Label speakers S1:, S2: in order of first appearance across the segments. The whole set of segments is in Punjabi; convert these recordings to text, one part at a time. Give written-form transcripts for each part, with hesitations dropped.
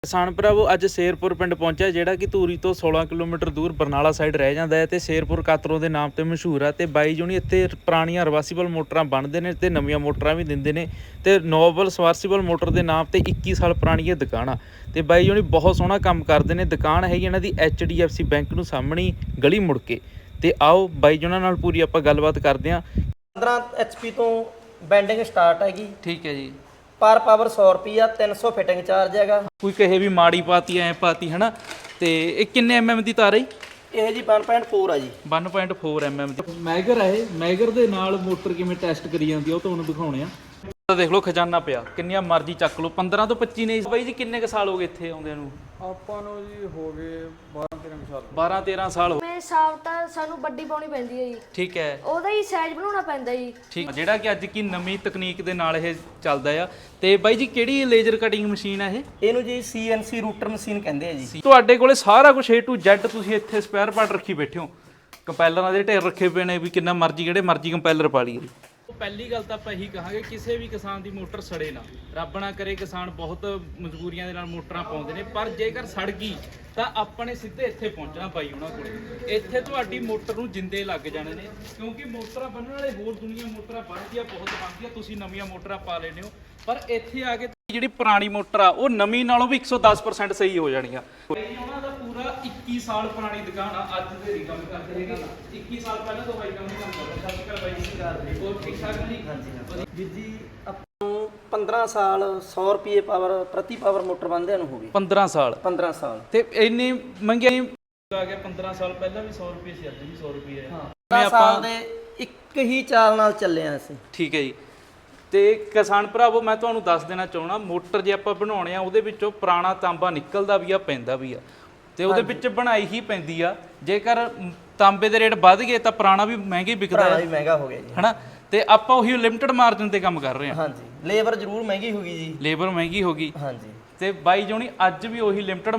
S1: ਕਿਸਾਨ ਭਰਾਵੋ ਅੱਜ ਸ਼ੇਰਪੁਰ ਪਿੰਡ ਪਹੁੰਚਿਆ ਜਿਹੜਾ ਕਿ ਧੂਰੀ ਤੋਂ 16 ਕਿਲੋਮੀਟਰ ਦੂਰ ਬਰਨਾਲਾ ਸਾਈਡ ਰਹਿ ਜਾਂਦਾ ਹੈ ਤੇ ਸ਼ੇਰਪੁਰ ਕਾਤਰੋਂ ਦੇ ਨਾਮ ਤੇ ਮਸ਼ਹੂਰ ਆ ਤੇ ਬਾਈ ਜੁਣੀ ਇੱਥੇ ਪੁਰਾਣੀਆਂ ਰਿਵਰਸੀਬਲ ਮੋਟਰਾਂ ਬਣਦੇ ਨੇ ਤੇ ਨਵੀਆਂ ਮੋਟਰਾਂ ਵੀ ਦਿੰਦੇ ਨੇ ਤੇ ਨੋਬਲ ਸਬਮਰਸੀਬਲ ਮੋਟਰ ਦੇ ਨਾਮ ਤੇ 21 ਸਾਲ ਪੁਰਾਣੀ ਇਹ ਦੁਕਾਨ ਆ ਤੇ ਬਾਈ ਜੁਣੀ ਬਹੁਤ ਸੋਹਣਾ ਕੰਮ ਕਰਦੇ ਨੇ। ਦੁਕਾਨ ਹੈਗੀ ਇਹਨਾਂ ਦੀ HDFC ਬੈਂਕ ਨੂੰ ਸਾਹਮਣੇ ਗਲੀ ਮੁੜ ਕੇ ਤੇ ਆਓ ਬਾਈ ਜੁਣਾ ਨਾਲ ਪੂਰੀ ਆਪਾਂ ਗੱਲਬਾਤ ਕਰਦੇ ਹਾਂ।
S2: 15 HP ਤੋਂ ਬੈਂਡਿੰਗ ਸਟਾਰਟ ਹੈਗੀ।
S1: ਠੀਕ ਹੈ ਜੀ।
S2: ਪਰ ਪਾਵਰ 100 ਰੁਪਿਆ 300 ਫਿਟਿੰਗ ਚਾਰਜ ਹੈਗਾ।
S1: ਕੋਈ ਕਹੇ ਵੀ ਮਾੜੀ ਪਾਤੀ ਐ ਪਾਤੀ ਹਨਾ ਤੇ ਇਹ ਕਿੰਨੇ mm ਦੀ ਤਾਰ ਹੈ?
S2: ਇਹ ਜੀ 1.4 ਆ ਜੀ।
S1: 1.4 mm ਦੀ ਮੈਗਰ ਹੈ। ਮੈਗਰ ਦੇ ਨਾਲ ਮੋਟਰ ਕਿਵੇਂ ਟੈਸਟ ਕਰੀ ਜਾਂਦੀ ਆ ਉਹ ਤੁਹਾਨੂੰ ਦਿਖਾਉਣੇ ਆ। ਦੇਖ ਲਓ ਖਜ਼ਾਨਾ ਪਿਆ, ਕਿੰਨੀਆਂ ਮਰਜ਼ੀ ਚੱਕ ਲਓ। 15 ਤੋਂ 25 ਨੇ ਬਾਈ ਜੀ। ਕਿੰਨੇ ਕ ਸਾਲ ਹੋ ਗਏ ਇੱਥੇ ਆਉਂਦਿਆਂ ਨੂੰ?
S3: ਆਪਾਂ ਨੂੰ ਜੀ ਹੋ ਗਏ 12-13 ਸਾਲ।
S1: 12-13 ਸਾਲ ਹੋ
S4: ਮੈਂ ਸਾਫ ਤਾਂ ਸਾਨੂੰ ਵੱਡੀ ਪਾਉਣੀ ਪੈਂਦੀ ਹੈ ਜੀ।
S1: ਠੀਕ ਹੈ।
S4: ਉਹਦਾ ਹੀ ਸਾਈਜ਼ ਬਣਾਉਣਾ ਪੈਂਦਾ ਜੀ।
S1: ਠੀਕ, ਜਿਹੜਾ ਕਿ ਅੱਜ ਕੀ ਨਵੀਂ ਤਕਨੀਕ ਦੇ ਨਾਲ ਇਹ ਚੱਲਦਾ ਆ। ਤੇ ਬਾਈ ਜੀ ਕਿਹੜੀ ਲੇਜ਼ਰ ਕਟਿੰਗ ਮਸ਼ੀਨ ਆ ਇਹ?
S2: ਇਹਨੂੰ ਜੀ CNC ਰੂਟਰ ਮਸ਼ੀਨ ਕਹਿੰਦੇ ਆ ਜੀ।
S1: ਤੁਹਾਡੇ ਕੋਲੇ ਸਾਰਾ ਕੁਝ A to Z ਤੁਸੀਂ ਇੱਥੇ ਸਪੇਅਰ ਪਾਰਟ ਰੱਖੀ ਬੈਠੇ ਹੋ। ਕੰਪੈਲਰਾਂ ਦੇ ਢੇਰ ਰੱਖੇ ਪਏ ਨੇ ਵੀ ਕਿੰਨਾ ਮਰਜ਼ੀ ਜਿਹੜੇ ਮਰਜ਼ੀ ਕੰਪੈਲਰ ਪਾ ਲਈਏ। ਪਹਿਲੀ ਗੱਲ ਤਾਂ ਆਪਾਂ ਇਹੀ ਕਹਾਂਗੇ ਕਿਸੇ ਵੀ ਕਿਸਾਨ ਦੀ ਮੋਟਰ ਸੜੇ ਨਾ। ਰੱਬ ਨਾ ਕਰੇ, ਕਿਸਾਨ ਬਹੁਤ ਮਜਬੂਰੀਆਂ ਦੇ ਨਾਲ ਮੋਟਰਾਂ ਪਾਉਂਦੇ ਨੇ, ਪਰ ਜੇਕਰ ਸੜ ਗਈ ਤਾਂ ਆਪਾਂ ਨੇ ਸਿੱਧੇ ਇੱਥੇ ਪਹੁੰਚਣਾ ਬਾਈ ਉਹਨਾਂ ਕੋਲੇ। ਇੱਥੇ ਤੁਹਾਡੀ ਮੋਟਰ ਨੂੰ ਜਿੰਦੇ ਲੱਗ ਜਾਣੇ ਨੇ, ਕਿਉਂਕਿ ਮੋਟਰਾਂ ਬੰਨਣ ਵਾਲੇ ਹੋਰ ਦੁਨੀਆ ਮੋਟਰਾਂ ਬਣਦੀਆਂ ਬਹੁਤ ਬਣਦੀਆਂ, ਤੁਸੀਂ ਨਵੀਆਂ ਮੋਟਰਾਂ ਪਾ ਲੈਣੇ ਹੋ, ਪਰ ਇੱਥੇ ਆ ਕੇ ਜਿਹੜੀ ਪੁਰਾਣੀ ਮੋਟਰ ਆ ਉਹ ਨਵੀਂ ਨਾਲੋਂ ਵੀ 110% ਸਹੀ ਹੋ ਜਾਣੀ ਆ। ਉਹਨਾਂ ਦਾ ਪੂਰਾ 21 ਸਾਲ ਪੁਰਾਣੀ ਦੁਕਾਨ ਆ। ਅੱਜ ਦੇ ਨਹੀਂ ਕੰਮ ਕਰਦੇ ਹੈਗੇ, 21 ਸਾਲ ਪਹਿਲਾਂ ਤੋਂ ਬਾਈ ਕੰਮ ਕਰਦਾ। ਸਤਿ ਸ਼੍ਰੀ ਅਕਾਲ ਬਾਈ ਜੀ। ਹੋਰ ਠੀਕ ਠਾਕ ਜੀ? ਹਾਂਜੀ।
S2: ਵੀਰ ਜੀ ਆਪਾਂ ਨੂੰ 15 ਸਾਲ 100 ਰੁਪਏ ਪਾਵਰ ਪ੍ਰਤੀ ਪਾਵਰ ਮੋਟਰ ਬੰਦਿਆਂ ਨੂੰ ਹੋ ਗਈ।
S1: 15 ਸਾਲ
S2: 15 ਸਾਲ
S1: ਤੇ ਇੰਨੀ ਮਹਿੰਗਾਈ ਆ ਗਿਆ। 15 ਸਾਲ ਪਹਿਲਾਂ ਵੀ 100 ਰੁਪਏ ਸੀ, ਅੱਜ ਵੀ 100 ਰੁਪਏ ਹੈ।
S2: ਹਾਂ 15 ਸਾਲ ਦੇ ਇੱਕ ਹੀ ਚਾਲ ਨਾਲ ਚੱਲੇ ਆ ਅਸੀਂ।
S1: ਠੀਕ ਹੈ ਜੀ। ਤੇ ਕਿਸਾਨ ਭਰਾਵੋ ਮੈਂ ਤੁਹਾਨੂੰ ਦੱਸ ਦੇਣਾ ਚਾਹਣਾ, ਮੋਟਰ ਜੇ ਆਪਾਂ ਬਣਾਉਣੇ ਆ ਉਹਦੇ ਵਿੱਚੋਂ ਪੁਰਾਣਾ ਤਾਂਬਾ ਨਿਕਲਦਾ ਵੀ ਆ, ਪੈਂਦਾ ਵੀ ਆ, ਤੇ ਉਹਦੇ ਵਿੱਚ ਬਣਾਈ ਹੀ ਪੈਂਦੀ ਆ। ਜੇਕਰ ਤਾਂਬੇ ਦੇ ਰੇਟ ਵੱਧ ਗਏ ਤਾਂ ਪੁਰਾਣਾ ਵੀ ਮਹਿੰਗੇ ਵਿਕਦਾ
S2: ਹੈ, ਮਹਿੰਗਾ ਹੋ ਗਿਆ ਜੀ
S1: ਹਨਾ। ਤੇ ਆਪਾਂ ਉਹੀ ਲਿਮਟਿਡ ਮਾਰਜਨ ਤੇ ਕੰਮ ਕਰ ਰਹੇ ਹਾਂ।
S2: ਹਾਂਜੀ। ਲੇਬਰ ਜ਼ਰੂਰ ਮਹਿੰਗੀ ਹੋ ਗਈ ਜੀ।
S1: ਲੇਬਰ ਮਹਿੰਗੀ ਹੋ ਗਈ।
S2: ਹਾਂਜੀ।
S1: ਤੇ ਬਾਈ ਜੋਣੀ ਅੱਜ ਵੀ ਉਹੀ ਲਿਮਟਿਡ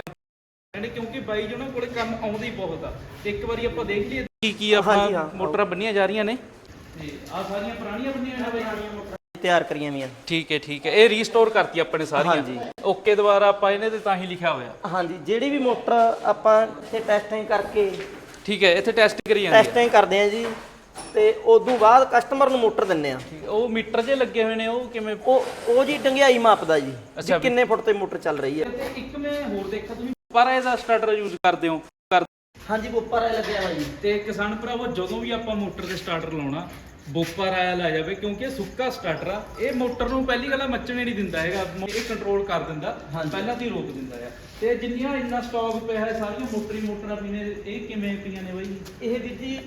S1: ਮਾਰਜਨ, ਕਿਉਂਕਿ ਬਾਈ ਜੋਣਾ ਕੋਲੇ ਕੰਮ ਆਉਂਦੀ ਬਹੁਤ ਆ। ਤੇ ਇੱਕ ਵਾਰੀ ਆਪਾਂ ਦੇਖ ਲਈਏ ਕੀ ਆਪਾਂ ਮੋਟਰਾਂ ਬੰਨੀਆਂ ਜਾ ਰਹੀਆਂ ਨੇ। ਤੇ ਆ ਸਾਰੀਆਂ ਪੁਰਾਣੀਆਂ ਬੰਨੀਆਂ ਨੇ ਬਾਈ,
S2: ਤਿਆਰ ਕਰੀਆਂ ਵੀਆਂ।
S1: ਠੀਕ ਹੈ ਠੀਕ ਹੈ। ਇਹ ਰੀਸਟੋਰ ਕਰਤੀ ਆਪਾਂ ਨੇ ਸਾਰੀਆਂ।
S2: ਹਾਂਜੀ।
S1: ਓਕੇ ਦੁਬਾਰਾ ਆਪਾਂ ਇਹਨੇ ਤੇ ਤਾਂ ਹੀ ਲਿਖਿਆ ਹੋਇਆ।
S2: ਹਾਂਜੀ। ਜਿਹੜੀ ਵੀ ਮੋਟਰ ਆਪਾਂ ਇੱਥੇ ਟੈਸਟਿੰਗ ਕਰਕੇ,
S1: ਠੀਕ ਹੈ, ਇੱਥੇ ਟੈਸਟ ਕਰੀ ਜਾਂਦੀ ਹੈ।
S2: ਟੈਸਟਿੰਗ ਕਰਦੇ ਆ ਜੀ, ਤੇ ਉਦੋਂ ਬਾਅਦ ਕਸਟਮਰ ਨੂੰ ਮੋਟਰ ਦਿੰਨੇ ਆ।
S1: ਉਹ ਮੀਟਰ ਜੇ ਲੱਗੇ ਹੋਏ ਨੇ, ਉਹ ਕਿਵੇਂ?
S2: ਉਹ ਜੀ ਡੰਗਿਆਈ ਮਾਪਦਾ ਜੀ, ਵੀ ਕਿੰਨੇ ਫੁੱਟ ਤੇ ਮੋਟਰ ਚੱਲ ਰਹੀ ਹੈ।
S1: ਤੇ ਇੱਕ ਮੈਂ ਹੋਰ ਦੇਖਿਆ ਤੁਸੀਂ ਪਰ ਇਹਦਾ ਸਟਾਰਟਰ ਯੂਜ਼ ਕਰਦੇ ਹੋ?
S2: ਹਾਂਜੀ, ਬੋਪਰ ਆ ਲੱਗਿਆ ਹੋਇਆ ਜੀ।
S1: ਤੇ ਕਿਸਾਨ ਭਰਾਵੋ ਜਦੋਂ ਵੀ ਆਪਾਂ ਮੋਟਰ ਤੇ ਸਟਾਰਟਰ ਲਾਉਣਾ ਬੋਪਰ ਆਇਆ ਲੈ ਜਾਵੇ, ਕਿਉਂਕਿ ਇਹ ਸੁੱਕਾ ਸਟਾਰਟਰ ਆ। ਇਹ ਮੋਟਰ ਨੂੰ ਪਹਿਲੀ ਗੱਲ ਮੱਚਣੇ ਨਹੀਂ ਦਿੰਦਾ ਹੈਗਾ, ਇਹ ਕੰਟਰੋਲ ਕਰ ਦਿੰਦਾ, ਪਹਿਲਾਂ ਤੋਂ ਹੀ ਰੋਕ ਦਿੰਦਾ ਹੈ। ਤੇ ਜਿੰਨੀਆਂ ਇੰਨਾ ਸਟਾਕ ਪਿਆ ਹੈ ਸਾਰੀਆਂ ਮੋਟਰਾਂ ਪੀਣੇ, ਇਹ ਕਿਵੇਂ ਪਈਆਂ ਨੇ ਬਾਈ?
S2: ਇਹ ਵੀਰ ਜੀ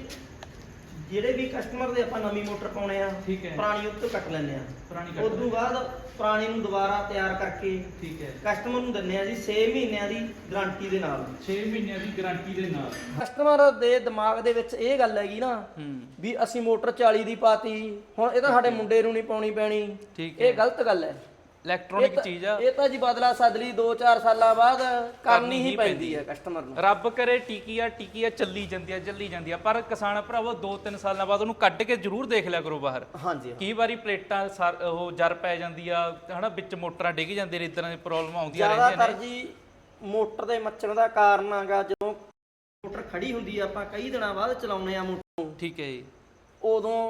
S2: ਜਿਹੜੇ ਵੀ ਕਸਟਮਰ ਦੇ ਆਪਾਂ ਨਵੀਂ ਮੋਟਰ ਪਾਉਣੇ ਆ,
S1: ਠੀਕ ਹੈ,
S2: ਪੁਰਾਣੀ ਉਹ ਤੋਂ ਕੱਟ ਲੈਂਦੇ ਆ।
S1: ਪੁਰਾਣੀ
S2: ਉਸ ਤੋਂ ਬਾਅਦ ਪੁਰਾਣੀ ਨੂੰ ਦੁਬਾਰਾ ਤਿਆਰ ਕਰਕੇ, ਠੀਕ ਹੈ, ਕਸਟਮਰ ਨੂੰ ਦਿੰਨੇ ਆ ਜੀ 6 ਮਹੀਨਿਆਂ ਦੀ ਗਾਰੰਟੀ ਦੇ ਨਾਲ।
S1: 6 ਮਹੀਨਿਆਂ ਦੀ ਗਾਰੰਟੀ ਦੇ ਨਾਲ।
S2: ਕਸਟਮਰ ਦੇ ਦਿਮਾਗ ਦੇ ਵਿੱਚ ਇਹ ਗੱਲ ਹੈਗੀ ਨਾ ਵੀ ਅਸੀਂ ਮੋਟਰ 40 ਦੀ ਪਾਤੀ, ਹੁਣ ਇਹ ਤਾਂ ਸਾਡੇ ਮੁੰਡੇ ਨੂੰ ਨਹੀਂ ਪਾਉਣੀ ਪੈਣੀ। ਇਹ ਗਲਤ ਗੱਲ ਹੈ।
S1: ਇਲੈਕਟ੍ਰੋਨਿਕ ਚੀਜ਼ ਆ
S2: ਇਹ ਤਾਂ ਜੀ ਬਦਲਾ ਸਦਲੀ 2-4 ਸਾਲਾਂ ਬਾਅਦ ਕਰਨੀ ਹੀ ਪੈਂਦੀ ਹੈ ਕਸਟਮਰ ਨੂੰ।
S1: ਰੱਬ ਕਰੇ ਟਿਕੀ ਆ ਚੱਲੀ ਜਾਂਦੀ ਆ, ਪਰ ਕਿਸਾਨ ਭਰਾਵੋ 2-3 ਸਾਲਾਂ ਬਾਅਦ ਉਹਨੂੰ ਕੱਢ ਕੇ ਜ਼ਰੂਰ ਦੇਖ ਲਿਆ ਕਰੋ ਬਾਹਰ।
S2: ਹਾਂਜੀ।
S1: ਕਈ ਵਾਰੀ ਪਲੇਟਾਂ ਉਹ ਜਰ ਪੈ ਜਾਂਦੀ ਆ ਹਨਾ, ਵਿੱਚ ਮੋਟਰਾਂ ਡਿੱਗ ਜਾਂਦੇ ਨੇ, ਇਦਾਂ ਦੀ ਪ੍ਰੋਬਲਮ ਆਉਂਦੀਆਂ ਰਹਿੰਦੀਆਂ ਨੇ।
S2: ਜ਼ਿਆਦਾਤਰ ਜੀ ਮੋਟਰ ਦੇ ਮੱਚਣ ਦਾ ਕਾਰਨ ਹੈਗਾ ਜਦੋਂ ਮੋਟਰ ਖੜੀ ਹੁੰਦੀ ਆ, ਆਪਾਂ ਕਈ ਦਿਨਾਂ ਬਾਅਦ ਚਲਾਉਂਦੇ ਆ ਮੋਟਰ ਨੂੰ। ਠੀਕ ਹੈ ਜੀ। ਉਦੋਂ